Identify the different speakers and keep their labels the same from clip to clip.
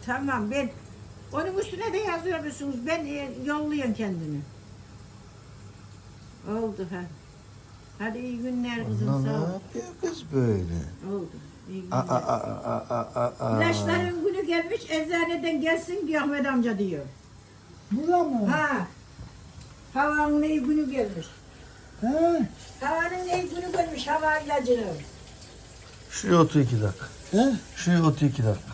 Speaker 1: Tamam ben onun üstüne de yazıyorsunuz. Ben yolluyorum kendini. Oldu ha. Hadi iyi günler kızım
Speaker 2: Ana,
Speaker 1: sağ
Speaker 2: ne
Speaker 1: ol.
Speaker 2: yapıyor kız böyle?
Speaker 1: Oldu. İyi
Speaker 2: Aa,
Speaker 1: günler.
Speaker 2: aa.
Speaker 1: İlaçların günü gelmiş eczaneden gelsin diyor Ahmet amca diyor.
Speaker 3: Bura mı?
Speaker 1: Ha. Havanın iyi günü gelmiş.
Speaker 3: He?
Speaker 1: Havanın iyi günü gelmiş hava ilacının.
Speaker 2: Şuraya otur 2 dakika.
Speaker 3: He?
Speaker 2: Şuraya otur 2 dakika.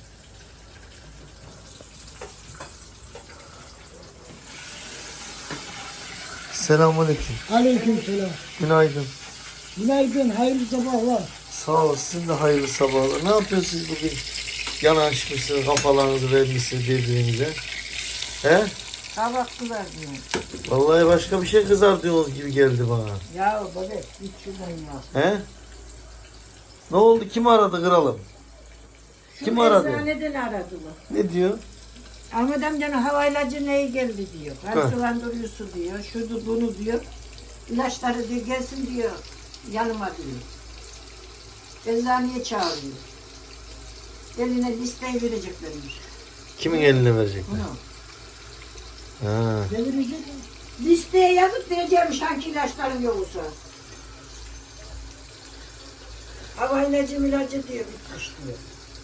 Speaker 2: Selamünaleyküm.
Speaker 3: Aleykümselam.
Speaker 2: Günaydın.
Speaker 3: Günaydın, hayırlı sabahlar.
Speaker 2: Sağ ol. Sizin de hayırlı sabahlar. Ne yapıyorsunuz bugün? Yanaşmışsınız, kafalarınızı vermişsiniz birbirinize. He?
Speaker 1: Hava kızar diyor.
Speaker 2: Vallahi başka bir şey kızartıyorsunuz gibi geldi bana.
Speaker 1: Ya baba hiç şuradan ya.
Speaker 2: He? Ne oldu? Kim aradı kralım? Kim aradı?
Speaker 1: Eczaneden aradılar.
Speaker 2: Ne diyor?
Speaker 1: Ahmet amcanın hava ilacı neye geldi diyor.
Speaker 2: He.
Speaker 1: Kan sulandırıyorsun diyor. Şudu bunu diyor. İlaçları diyor gelsin diyor. Yanıma diyor. Eczaneye çağırıyor. Eline listeyi vereceklermiş.
Speaker 2: Kimin eline verecekler?
Speaker 1: Bunu.
Speaker 2: Ha.
Speaker 3: Gelirecek mi?
Speaker 1: Listeye yazıp vereceğimiş hangi ilaçların yoksa. Hava ilacı ilacı diyor bitmiş diyor.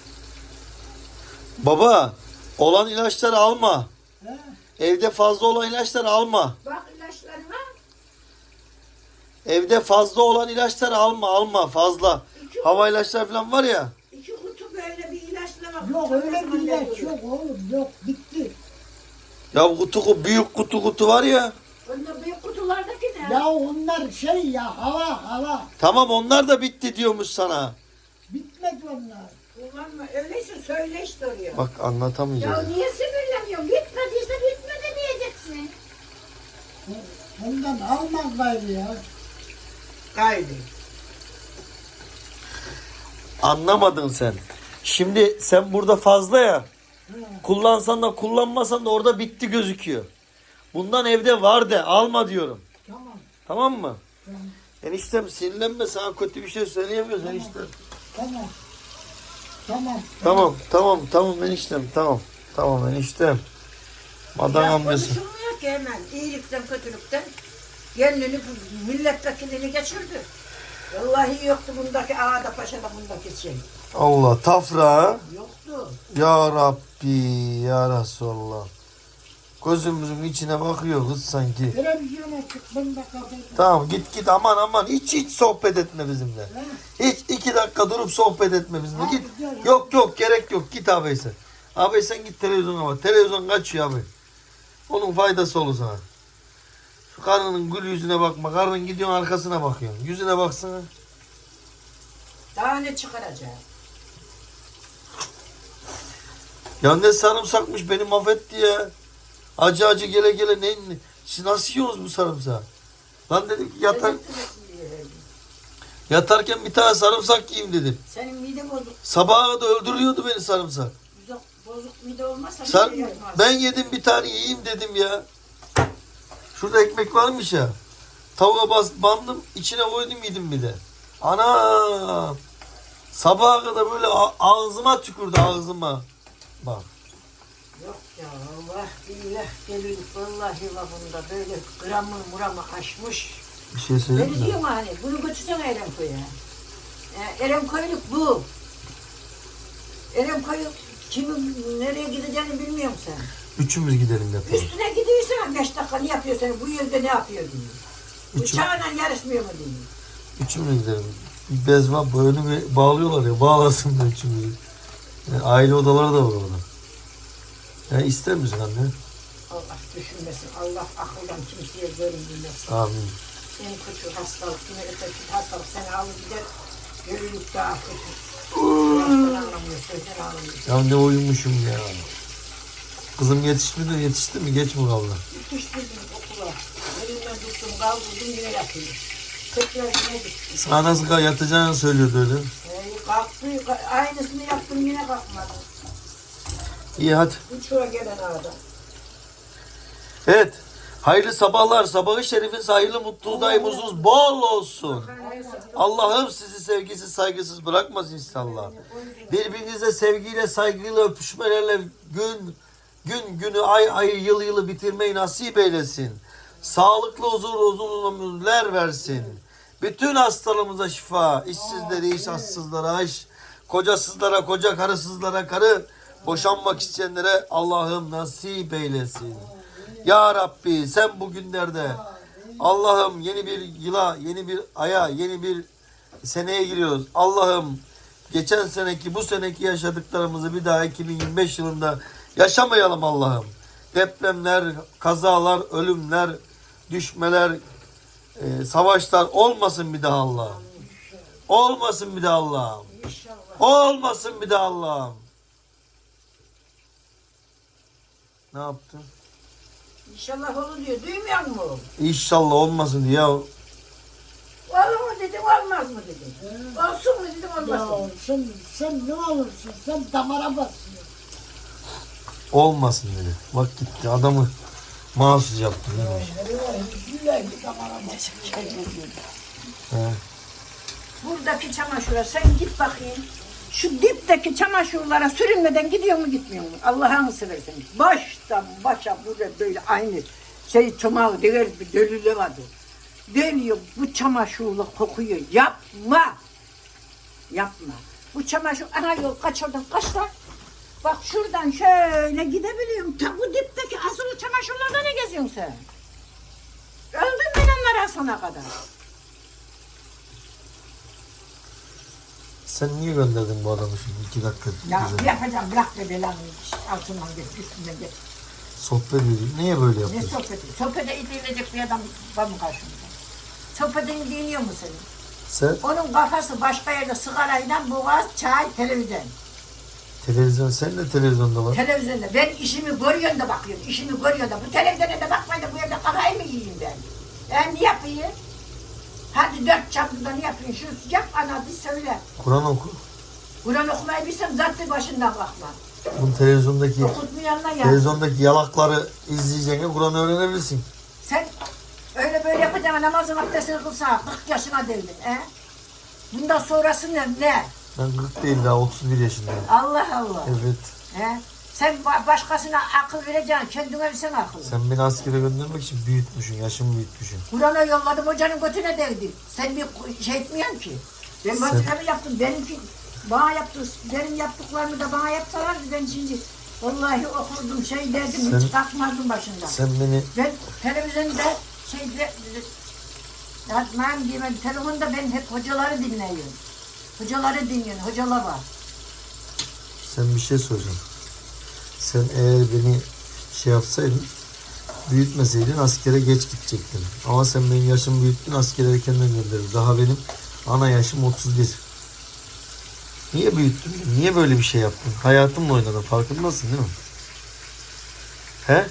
Speaker 2: Baba, olan ilaçları alma.
Speaker 3: He?
Speaker 2: Evde fazla olan ilaçları alma.
Speaker 1: Bak ilaçlarına
Speaker 2: Evde fazla olan ilaçları alma fazla. Hava ilaçları falan var ya.
Speaker 1: 2 kutu böyle bir ilaçlama.
Speaker 3: Yok öyle bir ilaç yok oğlum, yok bitti.
Speaker 2: Ya büyük kutu var ya.
Speaker 1: Bunda büyük kutulardaki ne?
Speaker 3: Ya onlar şey ya, hava.
Speaker 2: Tamam onlar da bitti diyormuş sana.
Speaker 3: Bitmedi onlar.
Speaker 1: Kullanma. Öyleyse söyle işte oraya.
Speaker 2: Bak
Speaker 1: Ya
Speaker 2: anlatamayacağız.
Speaker 1: niye sinirleniyorsun? Bitmediyse bitmedi diyeceksin.
Speaker 3: Ondan almaz gayrı ya.
Speaker 1: Kaydı.
Speaker 2: Anlamadın sen. Şimdi sen burada fazla ya. Kullansan da kullanmasan da orada bitti gözüküyor. Bundan evde var de alma diyorum.
Speaker 3: Tamam.
Speaker 2: Tamam mı?
Speaker 3: Tamam.
Speaker 2: Eniştem sinirlenme, sana kötü bir şey söyleyemiyoruz eniştem.
Speaker 3: Tamam. Tamam.
Speaker 2: Tamam eniştem tamam eniştem. Madan
Speaker 1: Ya
Speaker 2: amcası.
Speaker 1: konuşulmuyor ki hemen. İyilikten kötülükten. Kendini milletvekilini geçirdi. Vallahi yoktu bundaki ağada paşada bundaki şey.
Speaker 2: Allah tafra.
Speaker 1: Yoktu.
Speaker 2: Ya Rabbi ya Resulallah. Gözümüzün içine bakıyor kız sanki.
Speaker 3: Televizyona çık, bunda kapat.
Speaker 2: Tamam git aman hiç sohbet etme bizimle. Hiç 2 dakika durup sohbet etme bizimle.
Speaker 3: Hadi
Speaker 2: Git.
Speaker 3: gel, hadi.
Speaker 2: Yok gerek yok, git abi sen. Abi sen git televizyona bak. Televizyon kaçıyor abi. Onun faydası olur sana. Şu karının gül yüzüne bakma. Karının gidiyorsun arkasına bakıyorsun. Yüzüne baksana.
Speaker 1: Daha ne çıkaracak?
Speaker 2: Ya ne sarımsakmış, beni mahvetti ya. Acı gele ne? Siz nasıl yiyorsunuz bu sarımsağı? Lan dedim ki yatarken bir tane sarımsak yiyeyim dedim.
Speaker 1: Senin mide bozuk.
Speaker 2: Sabaha da öldürüyordu beni sarımsak.
Speaker 1: Bozuk mide olmazsa bir
Speaker 2: Sen,
Speaker 1: şey yapmaz.
Speaker 2: ben yedim bir tane yiyeyim dedim ya. Şurada ekmek varmış ya. Tavuğa bandım, içine koydum yedim bir de. Ana! Sabaha kadar böyle ağzıma tükürdü, ağzıma. Bak.
Speaker 1: Yok ya Allah billah gelir vallahi bunda böyle gramı aşmış.
Speaker 2: Bir şey söyleyeyim
Speaker 1: Ben
Speaker 2: mi?
Speaker 1: diyorum hani bunu götürsene Erenkoy'a. Erenkoyluk bu. Erenkoy kimin nereye gideceğini bilmiyorum sen.
Speaker 2: Üçümüz gidelim yapalım.
Speaker 1: Üstüne gidiyorsan 5 dakika ne yapıyorsun? Bu yılda ne yapıyor diyor.
Speaker 2: Üçüm-
Speaker 1: Uçağla yarışmıyor mu diyor.
Speaker 2: Üçümüz gidelim. Bir bez var, boynu bağlıyorlar ya, bağlasın da üçümüzü. Yani aile odaları da var orada. Ya ister misin anne?
Speaker 1: Allah düşünmesin. Allah akıldan kimseye görünmesin.
Speaker 2: Amin.
Speaker 1: En kötü hastalık, yine de kötü hastalık seni alır gider. Görünük daha kötü. Yaştan anlamıyor, sözden anlamıyor.
Speaker 2: Ya ne uyumuşum ya. Kızım yetişti mi? Geç mi kaldı?
Speaker 1: Yetiştirdim okula. Elimden tuttum, kaldırdım yine yatıyor. Tekrar yine düştüm.
Speaker 2: Sana nasıl yatacağını söylüyordu öyle.
Speaker 1: Kalktı, aynısını yaptım yine kalkmadı.
Speaker 2: İyi hadi.
Speaker 1: Uçuğa gelen adam.
Speaker 2: Evet. Hayırlı sabahlar. Sabahı şerifin hayırlı mutlu daimuzunuz bol olsun. Allah'ım sizi sevgisiz saygısız bırakmasın inşallah. Birbirinize sevgiyle saygıyla öpüşmelerle günü ay yıl yılı bitirmeyi nasip eylesin. Sağlıklı uzun ömürler versin. Bütün hastalarımıza şifa, işsizlere iş, açsızlara iş, kocasızlara koca, karısızlara karı, boşanmak isteyenlere Allah'ım nasip eylesin. Ya Rabbi sen bugünlerde Allah'ım yeni bir yıla, yeni bir aya, yeni bir seneye giriyoruz. Allah'ım geçen seneki, bu seneki yaşadıklarımızı bir daha 2025 yılında yaşamayalım Allah'ım. Depremler, kazalar, ölümler, düşmeler, savaşlar olmasın bir daha Allah'ım. Olmasın bir daha Allah'ım. Olmasın bir daha Allah'ım. Ne yaptın?
Speaker 1: İnşallah olur diyor. Duymuyor musun?
Speaker 2: İnşallah olmasın diye.
Speaker 1: Olur mu dedim, olmaz mı dedim. Olsun mu dedim, olmasın mı?
Speaker 3: Ya sen ne olursun? Sen damara basıyorsun.
Speaker 2: Olmasın dedi. Bak gitti adamı mahsus yaptı.
Speaker 3: Sürekli damara basıyorsun.
Speaker 2: He.
Speaker 1: Buradaki çamaşıra sen git bakayım. Şu dipteki çamaşırlara sürünmeden gidiyor mu gitmiyor mu? Allah'ını seversen. Baştan başa burada böyle aynı çomağı dever bir dölüle vardı. Dönüyor bu çamaşırla kokuyor. Yapma. Yapma. Bu çamaşır ana yol kaç oradan kaç lan? Bak şuradan şöyle gidebiliyorum. Ta bu dipteki asılı çamaşırlarda ne geziyorsun sen? Öldüm ben onlara sana kadar.
Speaker 2: Sen niye gönderdin bu adamı şimdi 2 dakika?
Speaker 1: Ya
Speaker 2: bize?
Speaker 1: yapacağım bırak be belanı altından geç üstünden geç.
Speaker 2: Sohbet ediyor. Niye böyle
Speaker 1: Ne
Speaker 2: yapıyorsun?
Speaker 1: sohbeti? Sohbete edilecek bir adam var mı karşımda? Sohbetini dinliyor mu senin?
Speaker 2: Sen
Speaker 1: Onun kafası başka yerde sigarayla boğaz, çay, televizyon.
Speaker 2: televizyon, sen de televizyonda var.
Speaker 1: Televizyonda. Ben işimi görüyorum da bakıyorum. İşimi görüyorum da. Bu televizyona da bakmayın da bu evde kafayı mı yiyeyim ben? Ben ne yapayım? Hadi 4 çapında ne yapayım? Şunu yap ana bir söyle.
Speaker 2: Kur'an oku.
Speaker 1: Kur'an okumayı bilsem zaten başından bakma.
Speaker 2: Bu televizyondaki
Speaker 1: Okutmayanlar ya.
Speaker 2: televizyondaki yalakları izleyeceğine Kur'an öğrenebilirsin.
Speaker 1: Sen öyle böyle yapacaksın namazın abdestini kılsa 40 yaşına değildin. Bundan sonrası ne?
Speaker 2: Ben 40 değil daha 31 yaşındayım.
Speaker 1: Allah Allah.
Speaker 2: Evet.
Speaker 1: He? Sen başkasına akıl vereceksin, kendine versen akıl.
Speaker 2: Sen beni askere göndermek için büyütmüşsün, yaşımı büyütmüşsün.
Speaker 1: Kur'an'a yolladım, hocanın götüne değdi. Sen bir şey etmiyorsun ki. Ben vazifemi yaptım, benimki bana yaptı, benim yaptıklarımı da bana yapsalardı ben şimdi vallahi okurdum, şey derdim, hiç kalkmazdım başından.
Speaker 2: Sen beni
Speaker 1: Ben televizyonda ben diyemem, telefonda ben hep hocaları dinliyorum. Hocaları dinliyorum, hocalar var.
Speaker 2: Sen bir şey soracağım. Sen eğer beni şey yapsaydın, büyütmeseydin askere geç gidecektin. Ama sen benim yaşımı büyüttün, askere erkenden gönderdin. Daha benim ana yaşım 31. Niye büyüttün? Niye böyle bir şey yaptın? Hayatımla oynadın. Farkındasın değil mi? He?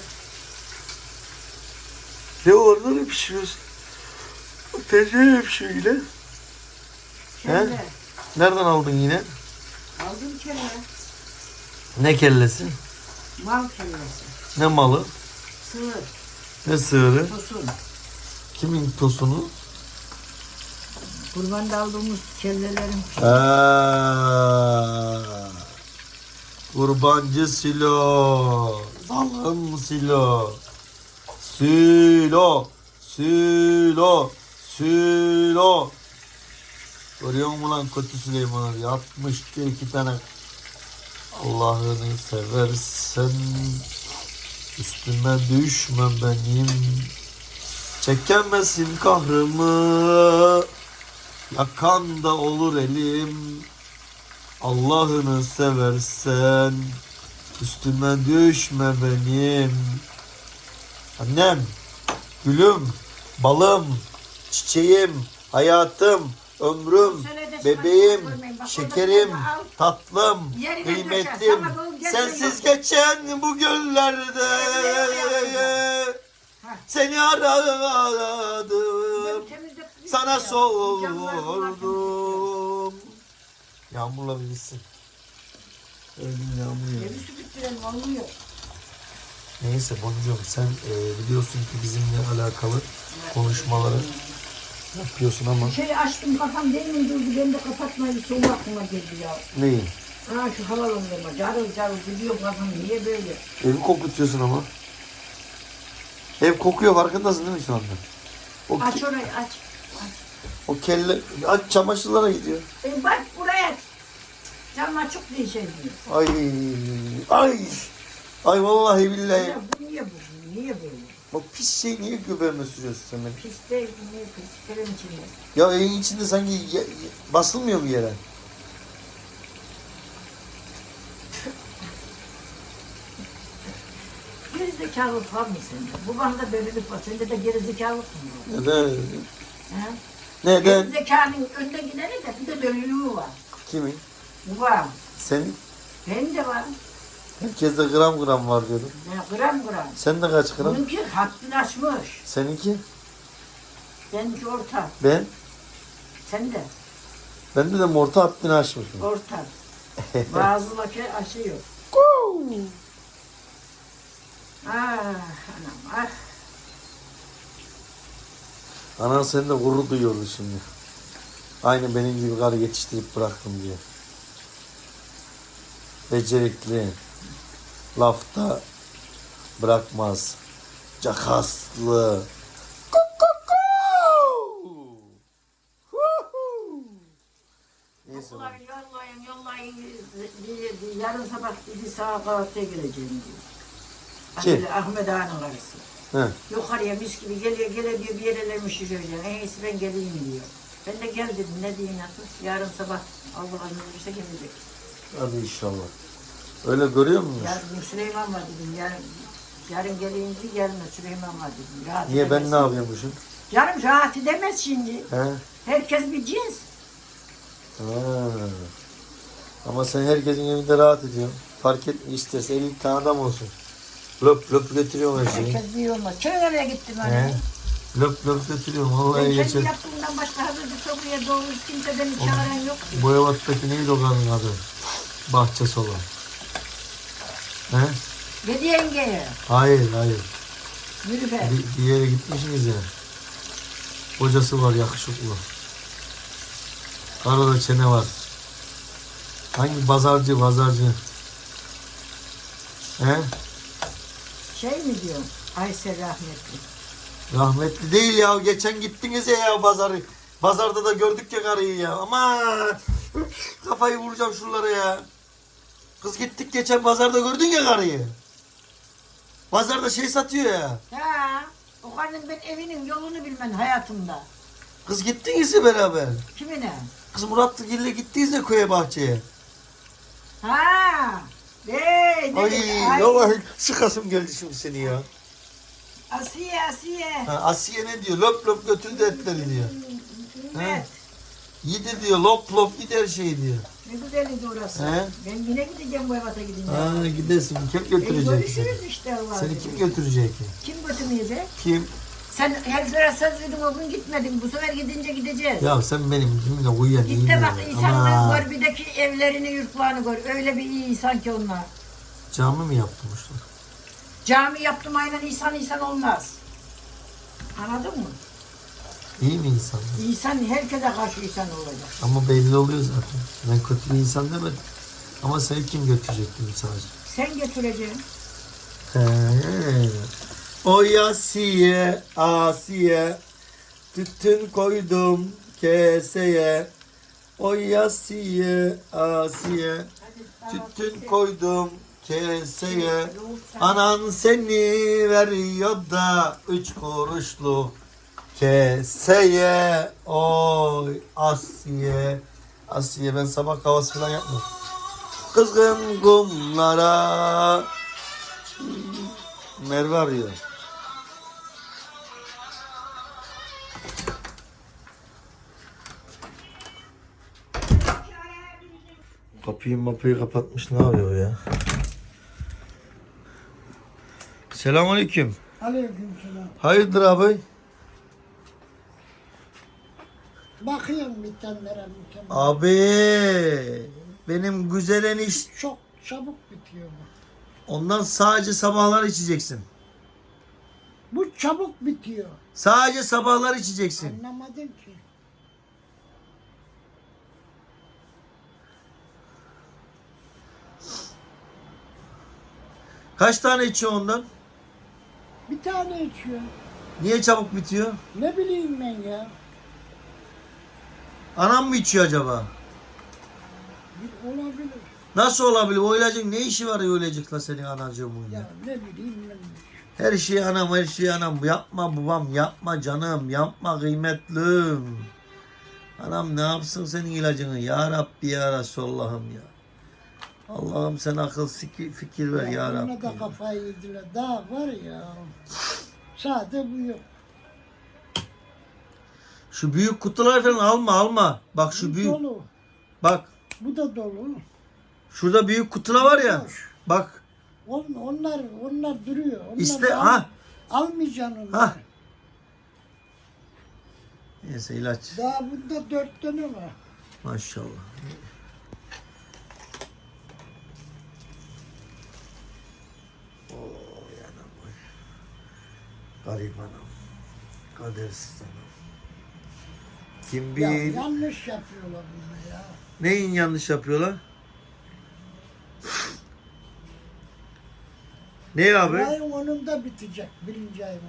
Speaker 2: Ne var? Ne pişiriyorsun? Tencereye pişiyor yine.
Speaker 1: Kelle.
Speaker 2: Nereden aldın yine?
Speaker 1: Aldım kelle.
Speaker 2: Ne kellesi?
Speaker 1: Mal kellesi.
Speaker 2: Ne malı?
Speaker 1: Sığır.
Speaker 2: Ne sığırı?
Speaker 1: Tosun.
Speaker 2: Kimin tosunu?
Speaker 1: Kurbanda aldığımız kellelerin.
Speaker 2: Kurbancı Silo. Zalim Silo. Silo. Görüyor musun lan kötü Süleyman abi? 62 tane. Allah'ını seversen üstüme düşme benim. Çekemezsin kahrımı. Yakan da olur elim. Allah'ını seversen üstüme düşme benim. Annem, gülüm, balım, çiçeğim, hayatım, ömrüm, bebeğim, şekerim, tatlım, kıymetlim. Sensiz geçen bu günlerde seni aradım. Sana sordum. Yağmurla bilirsin. Öldüm yağmur ya.
Speaker 1: Evi süpürtürelim, olmuyor.
Speaker 2: Neyse boncuğum sen biliyorsun ki bizimle alakalı konuşmaları yapıyorsun ama.
Speaker 1: Şey açtım kafam demin durdu. Ben de kapatmayı son aklıma geldi ya.
Speaker 2: Neyi?
Speaker 1: Ha şu havalandırma. Carıl carıl gidiyor kafam. Niye böyle?
Speaker 2: Evi kokutuyorsun ama. Ev kokuyor farkındasın değil mi şu anda? O,
Speaker 1: Aç orayı aç.
Speaker 2: o kelle aç çamaşırlara gidiyor.
Speaker 1: Bak buraya aç. Cam açık diye şey diyor.
Speaker 2: Ay ay. Ay vallahi billahi.
Speaker 1: Ya bu niye bu? Niye böyle?
Speaker 2: O pis şey niye göbeğime sürüyorsun sen benim?
Speaker 1: Pis değil. Niye pis? Krem içinde.
Speaker 2: Ya evin içinde sanki basılmıyor mu yere?
Speaker 1: Gerizekalılık var mı sende? Bu bana böylelik var. Sende de gerizekalılık mı var?
Speaker 2: Neden?
Speaker 1: He?
Speaker 2: Neden?
Speaker 1: Gerizekalının önde gideni de bir de dönülüğü var.
Speaker 2: Kimin?
Speaker 1: Bu var.
Speaker 2: Senin?
Speaker 1: Benim de var.
Speaker 2: Herkeste gram gram var diyordum.
Speaker 1: Ya gram gram.
Speaker 2: Sen de kaç gram?
Speaker 1: Bununki hattını açmış.
Speaker 2: Seninki?
Speaker 1: Benimki orta.
Speaker 2: Ben?
Speaker 1: Sen de
Speaker 2: Bende de morta hattını açmışım.
Speaker 1: orta. Bazıları aşıyor. Ah anam ah.
Speaker 2: Anan seni de gurur duyuyordu şimdi. Aynı benim gibi karı yetiştirip bıraktım diye. Becerikli. Lafta bırakmaz. Cakaslı. Neyse.
Speaker 1: Okula yollayın. Yarın sabah dedi sağa kahvaltıya geleceğim diyor.
Speaker 2: Kim?
Speaker 1: Ahmet Ağa'nın karısı.
Speaker 2: He.
Speaker 1: Yukarıya mis gibi geliyor diyor bir yerlerimi şişireceğim. En iyisi ben geleyim diyor. Ben de gel dedim ne diyeyim artık. Yarın sabah Allah'ın izniyle gelecek.
Speaker 2: Hadi inşallah. Öyle görüyor musun?
Speaker 1: Yarın Süleyman var dedim. Yarın geleyim diye gelme Süleyman var dedim. Rahat
Speaker 2: Niye ben
Speaker 1: edemez.
Speaker 2: ne yapıyormuşum?
Speaker 1: Yarın rahat edemez şimdi.
Speaker 2: He?
Speaker 1: Herkes bir cins.
Speaker 2: Ha. Ama sen herkesin evinde rahat ediyorsun. Fark etme isterse 50 tane adam olsun. Löp löp götürüyorum her şeyi.
Speaker 1: Herkes bir olmaz. Köy nereye gittim
Speaker 2: He.
Speaker 1: hani?
Speaker 2: Löp löp götürüyorum.
Speaker 1: Ben
Speaker 2: Vallahi
Speaker 1: kendi
Speaker 2: geçer.
Speaker 1: yaptığımdan başka hazır bir soruya doğru kimse beni çağıran yok.
Speaker 2: Bu evattaki neydi o kadın adı? Bahçesi olan. He?
Speaker 1: Dedi yengeye.
Speaker 2: Hayır.
Speaker 1: Yürü be.
Speaker 2: Bir yere gitmişsiniz ya. Kocası var yakışıklı. Arada çene var. Hangi pazarcı? He?
Speaker 1: Şey mi diyor? Aysel rahmetli.
Speaker 2: Rahmetli değil ya. Geçen gittiniz ya pazarı. Pazarda da gördük ya karıyı ya. Aman. Kafayı vuracağım şuralara ya. Kız gittik geçen pazarda gördün ya karıyı. Pazarda şey satıyor ya.
Speaker 1: Ha, o kadın ben evinin yolunu bilmem hayatımda.
Speaker 2: Kız gittiniz ya beraber.
Speaker 1: Kimine?
Speaker 2: Kız Muratlıgil'le gittiniz ya köye bahçeye.
Speaker 1: Ha. Ne
Speaker 2: Ay
Speaker 1: dedi?
Speaker 2: vallahi sıkasım geldi şimdi seni ya.
Speaker 1: Asiye.
Speaker 2: Ha, Asiye ne diyor? Lop lop götürdü etleri diyor.
Speaker 1: Evet.
Speaker 2: Yedir diyor. Lop lop gider şey diyor.
Speaker 1: Ne güzeldi orası.
Speaker 2: He?
Speaker 1: Ben yine gideceğim bu evata gidince.
Speaker 2: Ha gidersin. Kim götürecek seni?
Speaker 1: Görüşürüz işte Allah'ım.
Speaker 2: Seni kim götürecek?
Speaker 1: Kim götürmeyecek?
Speaker 2: Kim?
Speaker 1: Sen heriflere söz verdin o gün gitmedin. Bu sefer gidince gideceğiz.
Speaker 2: Ya sen benim kimle uyuyan iyi
Speaker 1: Git de
Speaker 2: mi?
Speaker 1: bak insanların Gorbi'deki evlerini, yurtlarını gör. Öyle bir iyi insan ki onlar.
Speaker 2: Cami mi yaptırmışlar?
Speaker 1: Cami yaptım aynen insan olmaz. Anladın mı?
Speaker 2: İyi mi insan?
Speaker 1: İnsan herkese karşı insan olacak.
Speaker 2: Ama belli oluyor zaten. Ben kötü bir insan demedim. Ama seni kim götürecek dedim sadece.
Speaker 1: Sen götüreceksin.
Speaker 2: He. Oy Asiye, tütün koydum keseye. Oy Asiye, tütün koydum keseye. Anan seni veriyor da 3 kuruşluk keseye. Oy Asiye. Ben sabah kahvaltı falan yapmıyorum. Kızgın kumlara. Merve arıyor. Kapıyı kapatmış, ne yapıyor ya? Selamünaleyküm.
Speaker 3: Aleykümselam.
Speaker 2: Hayırdır abi?
Speaker 3: Bakıyorum bitenlere.
Speaker 2: Abi benim güzel enişte.
Speaker 3: Çok çabuk bitiyor bu.
Speaker 2: Ondan sadece sabahlar içeceksin.
Speaker 3: Bu çabuk bitiyor.
Speaker 2: Sadece sabahlar içeceksin.
Speaker 3: Anlamadım ki.
Speaker 2: Kaç tane içiyor ondan?
Speaker 3: Bir tane içiyor.
Speaker 2: Niye çabuk bitiyor?
Speaker 3: Ne bileyim ben ya.
Speaker 2: Anam mı içiyor acaba?
Speaker 3: Olabilir.
Speaker 2: Nasıl olabilir? O ilacın ne işi var o ilacıkla senin anacığımın ya?
Speaker 3: Ya ne bileyim ben.
Speaker 2: Her şey anam, her şey anam. Yapma babam, yapma canım, yapma kıymetlim. Anam ne yapsın senin ilacını? Ya Rabbi ya Resulallah'ım ya. Allah'ım sen akıl fikir ver ya
Speaker 3: Ona
Speaker 2: Rabbi.
Speaker 3: da kafayı yediler. Daha var ya. Sade bu yok.
Speaker 2: Şu büyük kutular falan alma. Bak şu
Speaker 3: Bu
Speaker 2: büyük.
Speaker 3: dolu.
Speaker 2: Bak
Speaker 3: Bu da dolu.
Speaker 2: şurada büyük kutular var ya.
Speaker 3: Boş.
Speaker 2: Bak
Speaker 3: Onlar duruyor. Onlar
Speaker 2: İşte, ha.
Speaker 3: Almayacaksın onları.
Speaker 2: ha. Neyse ilaç.
Speaker 3: Daha bunda 4 tane var.
Speaker 2: Maşallah. Oy anam oy. Garip anam. Kadersiz anam. Kim
Speaker 3: Ya
Speaker 2: bilir.
Speaker 3: yanlış yapıyorlar bunu ya.
Speaker 2: Neyin yanlış yapıyorlar? Ne abi?
Speaker 3: Ayın 10'unda bitecek. 1. ayın 10'unda.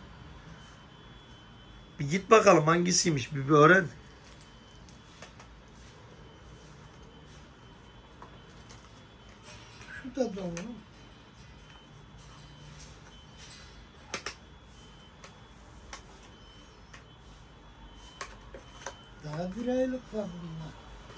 Speaker 2: Bir git bakalım hangisiymiş bir öğren.
Speaker 3: Şu da dolu. Daha 1 aylık var bunlar.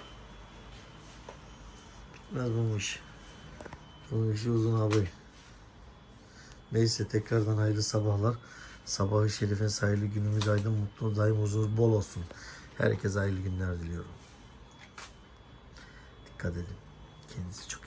Speaker 2: Biraz bu iş. Bunun işi uzun abi. Neyse tekrardan hayırlı sabahlar. Sabahı şerifin hayırlı günümüz aydın, mutlu daim huzur bol olsun. Herkese hayırlı günler diliyorum. Dikkat edin. Kendinize çok